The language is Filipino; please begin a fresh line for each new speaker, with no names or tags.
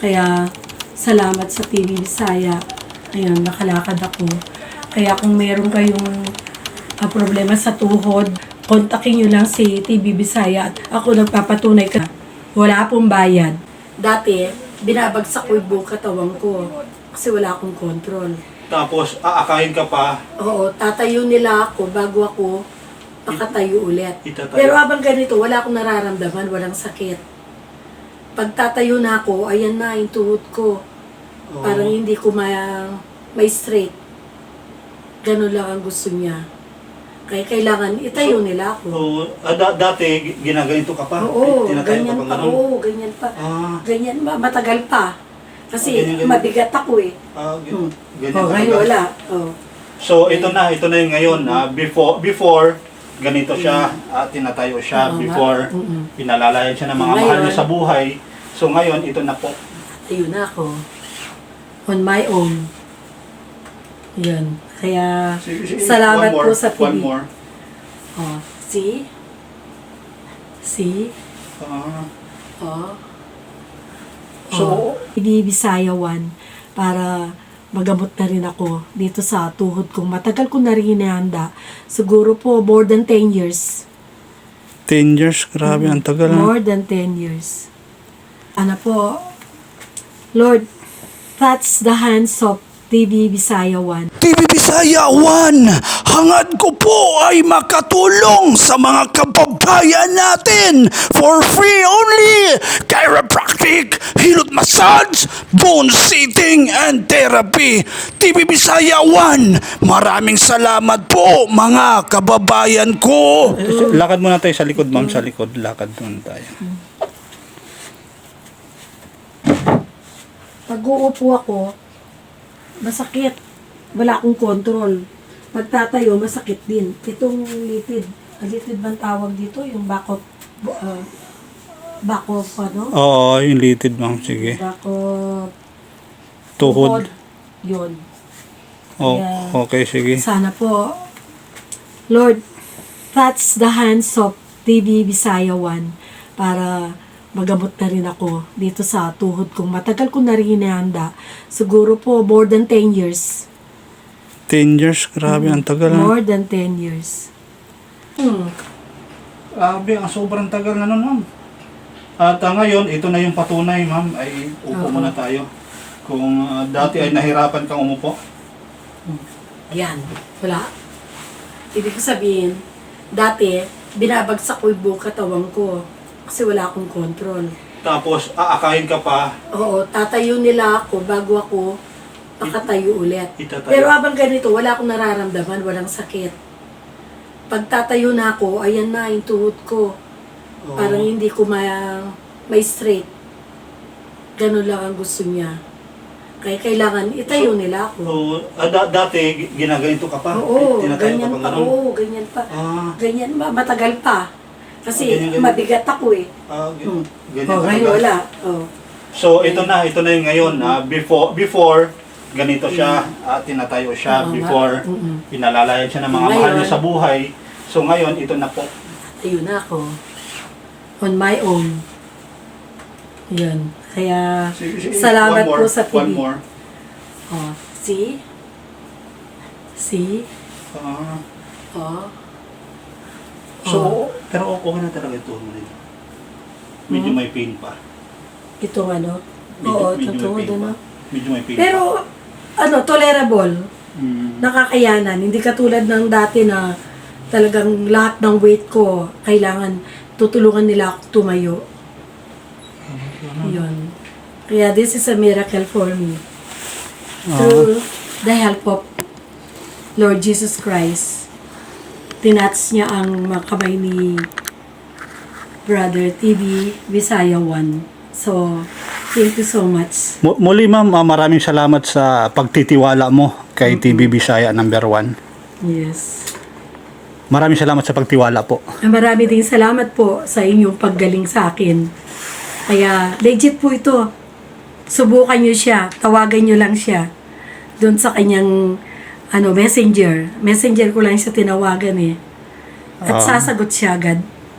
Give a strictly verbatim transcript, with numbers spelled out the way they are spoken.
Kaya salamat sa T V Bisaya. Ayun, nakalakad ako. Kaya kung meron kayong uh, problema sa tuhod, kontakin nyo lang si T V Bisaya at ako nagpapatunay ka. Wala pong bayad. Dati, binabagsak ko yung buong katawan ko kasi wala akong control.
Tapos, aakayin ka pa.
Oo, tatayo nila ako bago ako makatayo ulit.
Itatayo.
Pero habang ganito, wala akong nararamdaman, walang sakit. Pag tatayo na ako, ayan na yung tuhod ko.
Oo.
Parang hindi ko ma may straight. Ganun lang ang gusto niya. Kaya kailangan itayo
So,
nila ako.
Oo. Ah, da- dati, ginaganito ka pa?
Oo,
Tinatayo
ganyan
ka
pa.
ganun?
Oo, ganyan pa.
Ah,
Ganyan ba? Matagal pa. Kasi
Oh, ganyan, ganyan.
mabigat ako eh.
ah
Hmm.
gan- ganyan
Oh,
ka
ngayon
agad.
wala. Oh.
So, ito na, ito na yung ngayon. ah, before, before, ganito siya, ah, tinatayo siya.
Oo nga.
Before,
Mm-mm.
pinalalayan siya ng mga
Ngayon,
mahal niya sa buhay. So, ngayon, ito na po.
Tayo na ako. On my own. Yan. Kaya,
Sige, sige.
salamat
One more,
po sa T V.
One more.
Oh, see? See?
Ah,
Oh.
so,
Oh. T V Bisaya one para magamot na rin ako dito sa tuhod kong matagal ko na rin hinahanda. Siguro po more than ten years.
ten years, grabe, ang tagal. ah.
More than ten years. Ano po, Lord, touch the hands of T V Bisaya one.
T V Bisaya one, hangad ko po ay makatulong sa mga kababayan natin for free only. Chiropractic, hilot massage, bone seating, and therapy. T V Bisaya one, maraming salamat po mga kababayan ko.
Lakad muna tayo sa likod, ma'am. Sa likod, lakad muna tayo.
Pag uupo ako, masakit. Wala akong control. Pagtatayo, masakit din. Itong litid. Ang litid bang tawag dito? Yung back of, uh, back of ano?
Oo, yung litid, ma'am. Sige.
Back of
Tuhod.
Yun.
Oh,
Kaya,
okay, sige.
sana po, Lord, touch the hands of T V Bisaya one para magamot na rin ako dito sa tuhod kong matagal ko na rin hinahanda. Siguro po more than ten years.
ten years, grabe, ang tagal. ah.
More than ten years. Hmm.
Grabe, ang sobrang tagal na nun, ma'am. At ah, ngayon, ito na yung patunay, ma'am. Ay, upo
Oo.
muna tayo. Kung ah, dati ay nahirapan kang umupo.
Yan. Wala. Ibig sabihin, dati, binabagsak ko yung buong katawan ko kasi wala akong control.
Tapos, aakayin ka pa.
Oo, tatayo nila ako bago ako makatayo ulit.
Itatayo.
Pero habang ganito, wala akong nararamdaman, walang sakit. Pag tatayo na ako, ayan na yung tuhod ko.
Oo.
Parang hindi ko ma may straight. Ganun lang ang gusto niya. Kaya kailangan itayo
So,
nila ako.
Oo, ah, da- dati, ginaganito ka pa.
Oo,
Tinatayo
ganyan
ka pa
pa.
ganun.
Oo, ganyan pa.
Ah,
Ganyan ba? Matagal pa. Kasi
Oh, ganyan, ganyan.
mabigat ako eh.
ah, g-
Hmm.
ganyan
Oh,
ka
ngayon
agad.
wala. Oh.
So, ito na, ito na yung ngayon. ah, before, before, ganito siya, ah, tinatayo siya.
Oo nga.
Before,
Mm-mm.
pinalalayan siya ng mga
Ngayon,
mahal niya sa buhay. So, ngayon, ito na po.
Ayun na ako. On my own. Yun. Kaya,
Sige, sige.
salamat
One more,
po sa T V.
One more.
Oh, see? See?
Ah,
Oh.
so,
Oh.
pero okay na talaga ito. Medyo
Hmm?
may pain pa.
Itong ano?
Medyo,
Oo,
medyo
totoo.
may pain
Ano?
pa. Medyo may pain
Pero,
pa.
ano, tolerable.
Mm.
Nakakayanan. Hindi katulad ng dati na talagang lahat ng weight ko, kailangan tutulungan nila ako tumayo. Yun. Kaya this is a miracle for me. Through the help of Lord Jesus Christ, tinats niya ang mga kamay ni Brother T V Bisaya one. So, thank you so much.
Mu- Muli ma'am, ah, maraming salamat sa pagtitiwala mo kay T V Bisaya number one.
Yes.
Maraming salamat sa pagtiwala po.
Marami ding salamat po sa inyong paggaling sa akin. Kaya, legit po ito. Subukan nyo siya. Tawagan nyo lang siya. Doon sa kanyang ano, messenger. Messenger ko lang siya tinawagan eh. At
Ah.
sasagot siya agad.